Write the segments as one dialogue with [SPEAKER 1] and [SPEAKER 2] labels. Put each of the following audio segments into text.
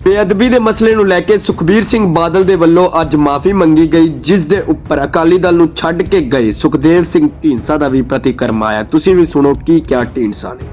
[SPEAKER 1] ਬੇਅਦਬੀ ਦੇ ਮਸਲੇ ਨੂੰ ਲੈ ਕੇ ਸੁਖਬੀਰ ਸਿੰਘ ਬਾਦਲ ਦੇ ਵੱਲੋਂ ਅੱਜ ਮਾਫੀ ਮੰਗੀ ਗਈ, ਜਿਸ ਦੇ ਉੱਪਰ ਅਕਾਲੀ ਦਲ ਨੂੰ ਛੱਡ ਕੇ ਗਏ ਸੁਖਦੇਵ ਸਿੰਘ ਢੀਂਡਸਾ ਦਾ ਵੀ ਪ੍ਰਤੀਕਰਮ ਆਇਆ। ਤੁਸੀਂ ਵੀ ਸੁਣੋ ਕੀ ਕਿਹਾ ਢੀਂਡਸਾ ਨੇ।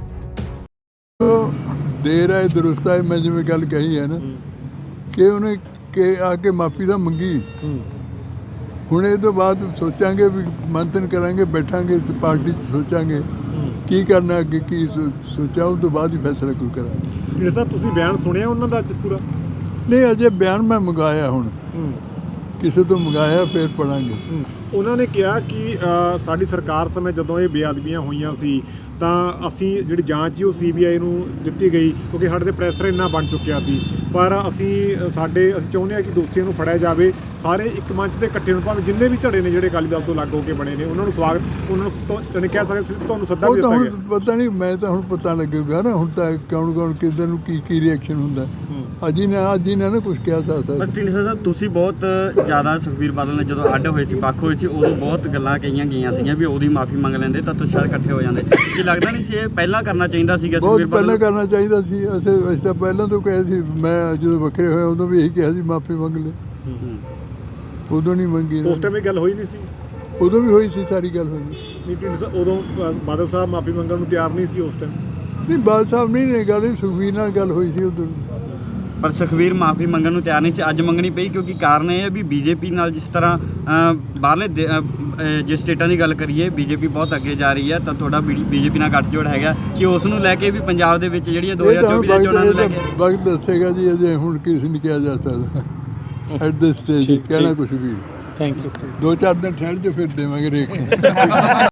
[SPEAKER 2] ਦੇਰ ਹੈ ਦਰੁਸਤ ਹੈ, ਮੈਂ ਜਿਵੇਂ ਗੱਲ ਕਹੀ ਹੈ ਨਾ ਕਿ ਉਹਨੇ ਕਿ ਆ ਕੇ ਮਾਫੀ ਤਾਂ ਮੰਗੀ। ਹੁਣ ਇਹ ਤੋਂ ਬਾਅਦ ਸੋਚਾਂਗੇ ਵੀ ਮੰਥਨ ਕਰਾਂਗੇ, ਬੈਠਾਂਗੇ ਇਸ ਪਾਰਟੀ 'ਚ ਸੋਚਾਂਗੇ ਕੀ ਕਰਨਾ ਅੱਗੇ, ਕੀ ਸੋਚਿਆ ਉਸ ਤੋਂ ਬਾਅਦ ਹੀ ਫੈਸਲਾ ਕੋਈ ਕਰਾਂਗੇ।
[SPEAKER 3] ਢੀਂਡਸਾ ਸਾਹਿਬ ਤੁਸੀਂ ਬਿਆਨ ਸੁਣਿਆ ਉਹਨਾਂ ਦਾ ਅੱਜ ਪੂਰਾ?
[SPEAKER 2] ਨਹੀਂ, ਅਜੇ ਬਿਆਨ ਮੈਂ ਮੰਗਾਇਆ, ਹੁਣ ਕਿਸੇ ਤੋਂ ਮੰਗਾਇਆ, ਫਿਰ ਪੜਾਂਗੇ।
[SPEAKER 3] ਉਹਨਾਂ ਨੇ ਕਿਹਾ ਕਿ ਸਾਡੀ ਸਰਕਾਰ ਸਮੇਂ ਜਦੋਂ ਇਹ ਬੇਅਦਬੀਆਂ ਹੋਈਆਂ ਸੀ ਤਾਂ ਅਸੀਂ ਜਿਹੜੀ ਜਾਂਚ ਸੀ ਉਹ CBI ਨੂੰ ਦਿੱਤੀ ਗਈ, ਕਿਉਂਕਿ ਸਾਡੇ 'ਤੇ ਪ੍ਰੈਸ਼ਰ ਇੰਨਾ ਬਣ ਚੁੱਕਿਆ ਸੀ। ਪਰ ਅਸੀਂ ਚਾਹੁੰਦੇ ਹਾਂ ਕਿ ਦੋਸ਼ੀਆਂ ਨੂੰ ਫੜਿਆ ਜਾਵੇ। ਸਾਰੇ ਇੱਕ ਮੰਚ 'ਤੇ ਇਕੱਠੇ ਹੋਣ, ਭਾਵੇਂ ਜਿੰਨੇ ਵੀ ਧੜੇ ਨੇ ਜਿਹੜੇ ਅਕਾਲੀ ਦਲ ਤੋਂ ਅਲੱਗ ਹੋ ਕੇ ਬਣੇ ਨੇ, ਉਹਨਾਂ ਨੂੰ ਸਵਾਗਤ, ਉਹਨਾਂ ਨੂੰ ਕਹਿ ਸਕਦੇ ਤੁਹਾਨੂੰ ਸੱਦਾ ਵੀ ਦਿੱਤਾ ਗਿਆ।
[SPEAKER 2] ਪਤਾ ਨਹੀਂ, ਮੈਂ ਤਾਂ ਹੁਣ ਪਤਾ ਲੱਗੇਗਾ ਨਾ, ਹੁਣ ਤਾਂ ਕੌਣ ਕਿੱਧਰ ਨੂੰ ਕੀ ਰਿਐਕਸ਼ਨ ਹੁੰਦਾ। ਅੱਜ ਹੀ ਨਾ ਕੁਝ ਕਿਹਾ ਜਾ ਸਕਦਾ।
[SPEAKER 4] ਪਰ ਢੀਂਡਸਾ ਸਾਹਿਬ ਤੁਸੀਂ ਬਹੁਤ ਜ਼ਿਆਦਾ ਸੁਖਬੀਰ ਬਾਦਲ ਨੇ ਜਦੋਂ ਅੱਡ ਹੋਏ ਸੀ, ਵੱਖ ਹੋਏ ਸੀ, ਉਦੋਂ ਬਹੁਤ ਗੱਲਾਂ ਕਹੀਆਂ ਗਈਆਂ ਸੀਗੀਆਂ ਵੀ ਉਹਦੀ ਮਾਫੀ ਮੰਗ ਲੈਂਦੇ ਤਾਂ ਤੁਸੀਂ ਸ਼ਾਇਦ ਇਕੱਠੇ ਹੋ ਜਾਂਦੇ। ਕੀ ਲੱਗਦਾ ਨਹੀਂ ਸੀ ਇਹ ਪਹਿਲਾਂ ਕਰਨਾ ਚਾਹੀਦਾ ਸੀਗਾ?
[SPEAKER 2] ਬਹੁਤ ਪਹਿਲਾਂ ਕਰਨਾ ਚਾਹੀਦਾ ਸੀ। ਅਸੀਂ ਤਾਂ ਪਹਿਲਾਂ ਤੋਂ ਕਹੇ ਸੀ, ਮੈਂ ਜਦੋਂ ਵੱਖਰੇ ਹੋਏ ਉਦੋਂ ਵੀ ਇਹੀ ਕਿਹਾ ਸੀ ਮਾਫੀ ਮੰਗ ਲੈ। ਉਦੋਂ ਨਹੀਂ ਮੰਗੀ,
[SPEAKER 3] ਉਸ ਟਾਈਮ ਇਹ ਗੱਲ ਹੋਈ ਨਹੀਂ ਸੀ।
[SPEAKER 2] ਉਦੋਂ ਵੀ ਹੋਈ ਸੀ, ਸਾਰੀ ਗੱਲ ਹੋਈ
[SPEAKER 3] ਨਹੀਂ ਢੀਂਡਸਾ ਉਦੋਂ ਬਾਦਲ ਸਾਹਿਬ ਮਾਫੀ ਮੰਗਣ ਨੂੰ ਤਿਆਰ ਨਹੀਂ ਸੀ ਉਸ ਟਾਈਮ।
[SPEAKER 2] ਨਹੀਂ, ਬਾਦਲ ਸਾਹਿਬ ਨਹੀਂ ਗੱਲ, ਸੁਖਬੀਰ ਨਾਲ ਗੱਲ ਹੋਈ ਸੀ ਉਦੋਂ।
[SPEAKER 4] ਪਰ ਸੁਖਬੀਰ ਮਾਫੀ ਮੰਗਣ ਨੂੰ ਤਿਆਰ ਨਹੀਂ ਸੀ, ਅੱਜ ਮੰਗਣੀ ਪਈ, ਕਿਉਂਕਿ ਕਾਰਨ ਇਹ ਹੈ ਵੀ BJP ਨਾਲ ਜਿਸ ਤਰ੍ਹਾਂ ਬਾਹਰਲੇ ਜੇ ਸਟੇਟਾਂ ਦੀ ਗੱਲ ਕਰੀਏ BJP ਬਹੁਤ ਅੱਗੇ ਜਾ ਰਹੀ ਹੈ, ਤਾਂ ਤੁਹਾਡਾ BJP ਨਾਲ ਗੱਠਜੋੜ ਹੈਗਾ ਕਿ ਉਸ ਨੂੰ ਲੈ ਕੇ ਵੀ ਪੰਜਾਬ ਦੇ ਵਿੱਚ ਜਿਹੜੀਆਂ 2024 ਦੀਆਂ ਚੋਣਾਂ ਨੂੰ ਲੈ ਕੇ
[SPEAKER 2] ਵਕਤ ਦੱਸੇਗਾ ਜੀ। ਅਜੇ ਹੁਣ ਕਿਸੇ ਨਹੀਂ ਕਿਹਾ ਜਾ ਸਕਦਾ ਐਟ ਦਿਸ ਸਟੇਜ ਕਹਿਣਾ ਕੁਝ ਵੀ।
[SPEAKER 3] Thank you.
[SPEAKER 2] 2-4 ਦਿਨ ਠਹਿਰ ਜੋ, ਫਿਰ ਦੇਵਾਂਗੇ ਰੇਖ।